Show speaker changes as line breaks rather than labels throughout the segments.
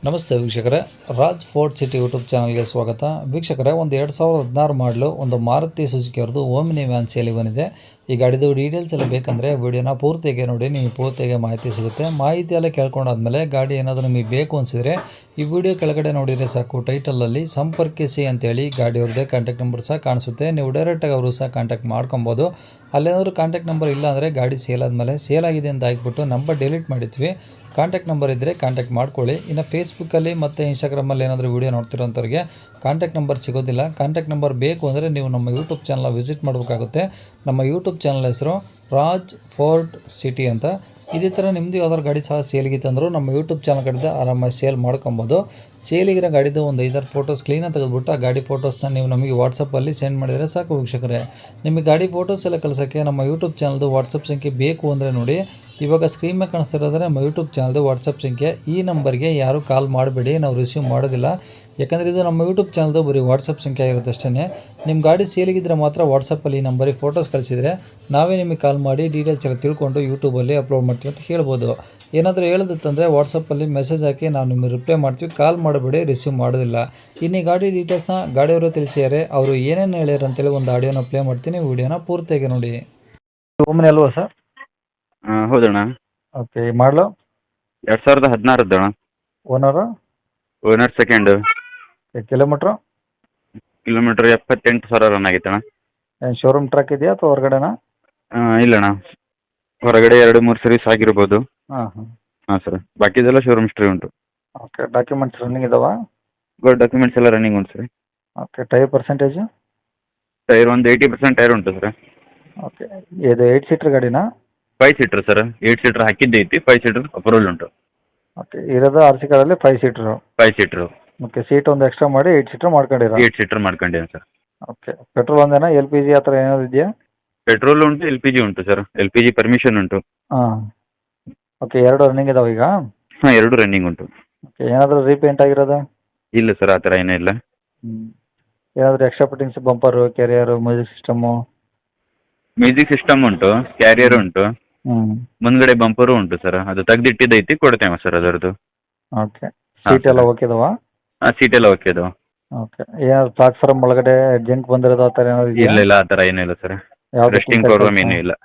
ನಮಸ್ತೆ ವೀಕ್ಷಕರೇ, Raj fort city YouTube ಚಾನಲ್ಗೆ ಸ್ವಾಗತ. ವೀಕ್ಷಕರೇ, ಒಂದು 2016 ಮಾಡಲು ಒಂದು ಮಾರುತಿ ಸುಜುಕಿ ಅವ್ರದ್ದು ಓಮಿನಿ ವ್ಯಾನ್ ಸೇಲಿ ಬಂದಿದೆ. ಈ ಗಾಡಿದು ಡೀಟೇಲ್ಸ್ ಎಲ್ಲ ಬೇಕಂದರೆ ವಿಡಿಯೋನ ಪೂರ್ತಿಯಾಗಿ ನೋಡಿ, ನಿಮಗೆ ಪೂರ್ತಿಯಾಗಿ ಮಾಹಿತಿ ಸಿಗುತ್ತೆ. ಮಾಹಿತಿ ಎಲ್ಲ ಕೇಳ್ಕೊಂಡಾದ್ಮೇಲೆ ಗಾಡಿ ಏನಾದರೂ ನಿಮಗೆ ಬೇಕು ಅನಿಸಿದರೆ ಈ ವಿಡಿಯೋ ಕೆಳಗಡೆ ನೋಡಿದರೆ ಸಾಕು, ಟೈಟಲಲ್ಲಿ ಸಂಪರ್ಕಿಸಿ ಅಂತೇಳಿ ಗಾಡಿಯವ್ರದ್ದೇ ಕಾಂಟ್ಯಾಕ್ಟ್ ನಂಬರ್ ಸಹ ಕಾಣಿಸುತ್ತೆ. ನೀವು ಡೈರೆಕ್ಟಾಗಿ ಅವರು ಸಹ ಕಾಂಟ್ಯಾಕ್ಟ್ ಮಾಡ್ಕೊಬೋದು. ಅಲ್ಲೇನಾದರೂ ಕಾಂಟ್ಯಾಕ್ಟ್ ನಂಬರ್ ಇಲ್ಲ ಅಂದರೆ ಗಾಡಿ ಸೇಲ್ ಆದಮೇಲೆ ಸೇಲ್ ಆಗಿದೆ ಅಂತ ಹಾಕ್ಬಿಟ್ಟು ನಂಬರ್ ಡಿಲೀಟ್ ಮಾಡಿದ್ವಿ. ಕಾಂಟ್ಯಾಕ್ಟ್ ನಂಬರ್ ಇದ್ದರೆ ಕಾಂಟ್ಯಾಕ್ಟ್ ಮಾಡ್ಕೊಳ್ಳಿ. ಇನ್ನು ಫೇಸ್ಬುಕ್ಕಲ್ಲಿ ಮತ್ತು ಇನ್ಸ್ಟಾಗ್ರಾಮಲ್ಲಿ ಏನಾದರೂ ವೀಡಿಯೋ ನೋಡ್ತಿರೋಂಥವ್ರಿಗೆ ಕಾಂಟ್ಯಾಕ್ಟ್ ನಂಬರ್ ಸಿಗೋದಿಲ್ಲ. ಕಾಂಟ್ಯಾಕ್ಟ್ ನಂಬರ್ ಬೇಕು ಅಂದರೆ ನೀವು ನಮ್ಮ ಯೂಟ್ಯೂಬ್ ಚಾನಲ್ನ ವಿಸಿಟ್ ಮಾಡಬೇಕಾಗುತ್ತೆ. ನಮ್ಮ ಯೂಟ್ಯೂಬ್ ಚಾನಲ್ ಹೆಸರು ರಾಜ್ ಫೋರ್ಟ್ ಸಿಟಿ ಅಂತ. ಇದೇ ಥರ ನಿಮ್ಮದು ಯಾವ್ದಾದ್ರು ಗಾಡಿ ಸಹ ಸೇಲಿಗಿತ್ತು ಅಂದರೂ ನಮ್ಮ ಯೂಟ್ಯೂಬ್ ಚಾನಲ್ ಕಡೆಯಿಂದ ಆರಾಮಾಗಿ ಸೇಲ್ ಮಾಡ್ಕೊಬೋದು. ಸೇಲಿಗಿರೋ ಗಾಡಿದು ಒಂದು 5-6 ಫೋಟೋಸ್ ಕ್ಲೀನಾಗಿ ತೆಗೆದುಬಿಟ್ಟು ಆ ಗಾಡಿ ಫೋಟೋಸ್ನ ನೀವು ನಮಗೆ ವಾಟ್ಸಪ್ಪಲ್ಲಿ ಸೆಂಡ್ ಮಾಡಿದರೆ ಸಾಕು ವೀಕ್ಷಕರೇ. ನಿಮಗೆ ಗಾಡಿ ಫೋಟೋಸ್ ಎಲ್ಲ ಕಳ್ಸೋಕ್ಕೆ ನಮ್ಮ ಯೂಟ್ಯೂಬ್ ಚಾನಲ್ದು ವಾಟ್ಸಪ್ ಸಂಖ್ಯೆ ಬೇಕು ಅಂದರೆ ನೋಡಿ, ಇವಾಗ ಸ್ಕ್ರೀನ್ ಮೇಲೆ ಕಾಣಿಸ್ತಿರೋದ್ರೆ ನಮ್ಮ ಯೂಟ್ಯೂಬ್ ಚಾನಲ್ದು ವಾಟ್ಸಪ್ ಸಂಖ್ಯೆ. ಈ ನಂಬರ್ಗೆ ಯಾರು ಕಾಲ್ ಮಾಡಬೇಡಿ, ನಾವು ರಿಸೀವ್ ಮಾಡೋದಿಲ್ಲ. ಯಾಕಂದರೆ ಇದು ನಮ್ಮ ಯೂಟ್ಯೂಬ್ ಚಾನಲ್ದು ಬರೀ ವಾಟ್ಸಪ್ ಸಂಖ್ಯೆ ಆಗಿರುತ್ತೆ ಅಷ್ಟೇ. ನಿಮ್ಮ ಗಾಡಿ ಸೇಲಿಗಿದ್ರೆ ಮಾತ್ರ ವಾಟ್ಸಪ್ಪಲ್ಲಿ ಈ ನಂಬರಿಗೆ ಫೋಟೋಸ್ ಕಳಿಸಿದರೆ ನಾವೇ ನಿಮಗೆ ಕಾಲ್ ಮಾಡಿ ಡೀಟೇಲ್ಸ್ ಎಲ್ಲ ತಿಳ್ಕೊಂಡು ಯೂಟ್ಯೂಬಲ್ಲಿ ಅಪ್ಲೋಡ್ ಮಾಡ್ತೀವಿ ಅಂತ ಹೇಳ್ಬೋದು. ಏನಾದರೂ ಹೇಳೋದಿತ್ತಂದರೆ ವಾಟ್ಸಪ್ಪಲ್ಲಿ ಮೆಸೇಜ್ ಹಾಕಿ ನಾವು ನಿಮಗೆ ರಿಪ್ಲೈ ಮಾಡ್ತೀವಿ. ಕಾಲ್ ಮಾಡಬೇಡಿ, ರಿಸೀವ್ ಮಾಡೋದಿಲ್ಲ. ಇನ್ನು ಈ ಗಾಡಿ ಡೀಟೇಲ್ಸ್ನ ಗಾಡಿಯವರು ತಿಳಿಸಿದ್ದಾರೆ. ಅವರು ಏನೇನು ಹೇಳ್ಯಾರ ಅಂತೇಳಿ ಒಂದು ಆಡಿಯೋನ ಪ್ಲೇ ಮಾಡ್ತೀನಿ, ವಿಡಿಯೋನ ಪೂರ್ತಿಯಾಗಿ ನೋಡಿ. ಓಮಿನಿ ಅಲ್ವಾ ಸರ್?
ಹೌದಣ್ಣ.
ಓಕೆ, ಮಾಡಲು
2016 ಅಣ್ಣ.
Owner?
Owner second.
Kilometre?
Kilometre 78,000 run ಆಗೈತೆ ಅಣ್ಣ.
ಏನು ಶೋರೂಮ್ ಟ್ರಕ್ ಇದೆಯಾ ಅಥವಾ ಹೊರಗಡೆನಾ?
ಇಲ್ಲಣ್ಣ, ಹೊರಗಡೆ 2-3 ಸರ್ವಿಸ್ ಆಗಿರ್ಬೋದು.
ಹಾಂ ಹಾಂ
ಹಾಂ ಸರ್, ಬಾಕಿದೆಲ್ಲ ಶೋರೂಮ್ ಹಿಸ್ಟ್ರಿ ಉಂಟು.
ಓಕೆ, ಡಾಕ್ಯುಮೆಂಟ್ಸ್ ರನ್ನಿಂಗ್ ಇದಾವಾ?
ಡಾಕ್ಯುಮೆಂಟ್ಸ್ ಎಲ್ಲ ರನ್ನಿಂಗ್ ಉಂಟು sir.
Okay, tyre percentage?
Tyre ಒಂದು 80% ಟೈರ್ ಉಂಟು ಸರ್.
ಓಕೆ, ಇದು 8 ಸೀಟ್ರ್ ಗಾಡಿನಾ?
5 ಸೀಟ್ರ್ ಸರ್. 8 ಸೀಟ್ರ್ ಹಾಕಿದ್ದೈತಿ, 5 ಸೀಟ್ರ್ ಅಪ್ರೂವಲ್ ಉಂಟು.
ಓಕೆ, ಇರೋದು ಆರ್ ಸಿ ಕಾರಲ್ಲಿ 5 ಸೀಟ್ರು.
5 ಸೀಟ್ರು.
ಓಕೆ, ಸೀಟ್ ಒಂದು ಎಕ್ಸ್ಟ್ರಾ ಮಾಡಿ 8 ಸೀಟ್ರ್ ಮಾಡ್ಕೊಂಡಿರೋ?
8 ಸೀಟ್ರ್ ಮಾಡ್ಕೊಂಡಿದ್ದೀನಿ ಸರ್.
ಓಕೆ, ಪೆಟ್ರೋಲ್ ಒಂದೇನಾ, ಎಲ್ ಪಿ ಜಿ ಆ ಥರ ಏನಾದ್ರು ಇದೆಯಾ?
ಪೆಟ್ರೋಲ್ ಉಂಟು, LPG ಉಂಟು ಸರ್. LPG ಪರ್ಮಿಷನ್ ಉಂಟು.
ಹಾಂ. ಓಕೆ, ಎರಡು ರನ್ನಿಂಗ್ ಇದಾವೆ ಈಗ?
ಹಾಂ, 2 ರನ್ನಿಂಗ್ ಉಂಟು.
ಓಕೆ, ಏನಾದರೂ ರೀಪೇಂಟ್ ಆಗಿರೋದಾ?
ಇಲ್ಲ ಸರ್, ಆ ಥರ ಏನೂ ಇಲ್ಲ.
ಏನಾದರೂ extra fittings, bumper, carrier, music system?
Music system ಉಂಟು, ಕ್ಯಾರಿಯರ್ ಉಂಟು, ಮುಂದ್ಗಡೆ ಬಂಪರು ಉಂಟು ಸರ್. ಅದು ತೆಗ್ದಿಟ್ಟಿದ್ದೈತಿ, ಕೊಡ್ತೇವೆ ಸರ್ ಅದರದ್ದು.
ಓಕೆ, ಸೀಟ್ ಎಲ್ಲ ಓಕೆ ಇದಾವಾ?
ಹಾಂ, ಸೀಟ್ ಎಲ್ಲ ಓಕೆ ಅದು.
ಓಕೆ, ಏನಾದ್ರು ಪ್ಲಾಟ್ಫಾರ್ಮ್ ಒಳಗಡೆ ಜಂಕ್ ಬಂದಿರೋದು ಆ ಥರ ಏನಾದ್ರು ಇದೆಯಾ?
ಇಲ್ಲ ಇಲ್ಲ, ಆ ಥರ ಏನೂ ಇಲ್ಲ ಸರ್.
ಯಾವ್ದು
ರೆಸ್ಟಿಂಗ್ ಪ್ರಾಬ್ಲಮ್ ಏನೂ ಇಲ್ಲ.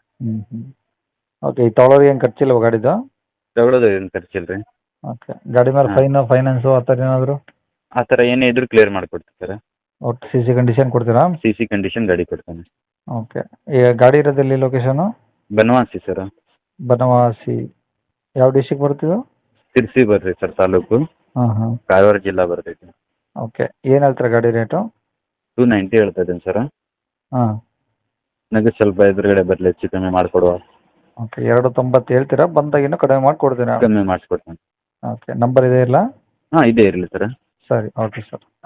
ಓಕೆ, ಈ ತೊಗೊಳೋದು ಏನು ಖರ್ಚಿಲ್ಲವ ಗಾಡಿದು?
ತಗೊಳ್ಳೋದು ಏನು ಖರ್ಚಿಲ್ಲ ರೀ.
ಓಕೆ, ಗಾಡಿ ಮೇಲೆ ಫೈನಾನ್ಸು ಆ ಥರ ಏನಾದರೂ?
ಆ ಥರ ಏನೇ ಇದ್ರೂ ಕ್ಲಿಯರ್ ಮಾಡಿಕೊಡ್ತೀವಿ ಸರ್.
ಒಟ್ಟು ಸಿ ಸಿ ಕಂಡೀಷನ್ ಕೊಡ್ತೀರಾ?
CC ಕಂಡೀಷನ್ ಗಾಡಿ ಕೊಡ್ತಾನೆ.
ಓಕೆ, ಈಗ ಗಾಡಿ ಇರೋದೆಲ್ಲಿ ಲೊಕೇಶನು?
ಬನವಾಸಿ ಸರ್.
ಬನವಾಸಿ ಯಾವ ಡಿಸ್ಟಿಕ್ ಬರ್ತಿದ್ದು?
ಸಿರ್ಸಿ ಬರ್ರಿ ಸರ್, ತಾಲೂಕು.
ಹಾಂ ಹಾಂ,
ಕಾರವಾರ ಜಿಲ್ಲಾ ಬರ್ತೈತಿ.
ಓಕೆ, ಏನು ಹೇಳ್ತೀರಾ ಗಾಡಿ ರೇಟು?
290 ಹೇಳ್ತಾ ಇದ್ದೀನಿ ಸರ್.
ಹಾಂ.
ನನಗೆ ಸ್ವಲ್ಪ ಎದುರುಗಡೆ ಬರಲಿ, ಹೆಚ್ಚು ಕಮ್ಮಿ ಮಾಡಿಕೊಡುವ.
ಓಕೆ, 290 ಹೇಳ್ತೀರಾ? ಬಂದಾಗ ಇನ್ನೂ ಕಡಿಮೆ ಮಾಡಿಕೊಡ್ತೀರಾ?
ಕಮ್ಮಿ ಮಾಡಿಸ್ಕೊಡ್ತೇನೆ.
ಓಕೆ, ನಂಬರ್ ಇದೆ ಇಲ್ಲ?
ಹಾಂ, ಇದೇ ಇರಲಿ ಸರ್.
ಸರಿ, ಓಕೆ ಸರ್.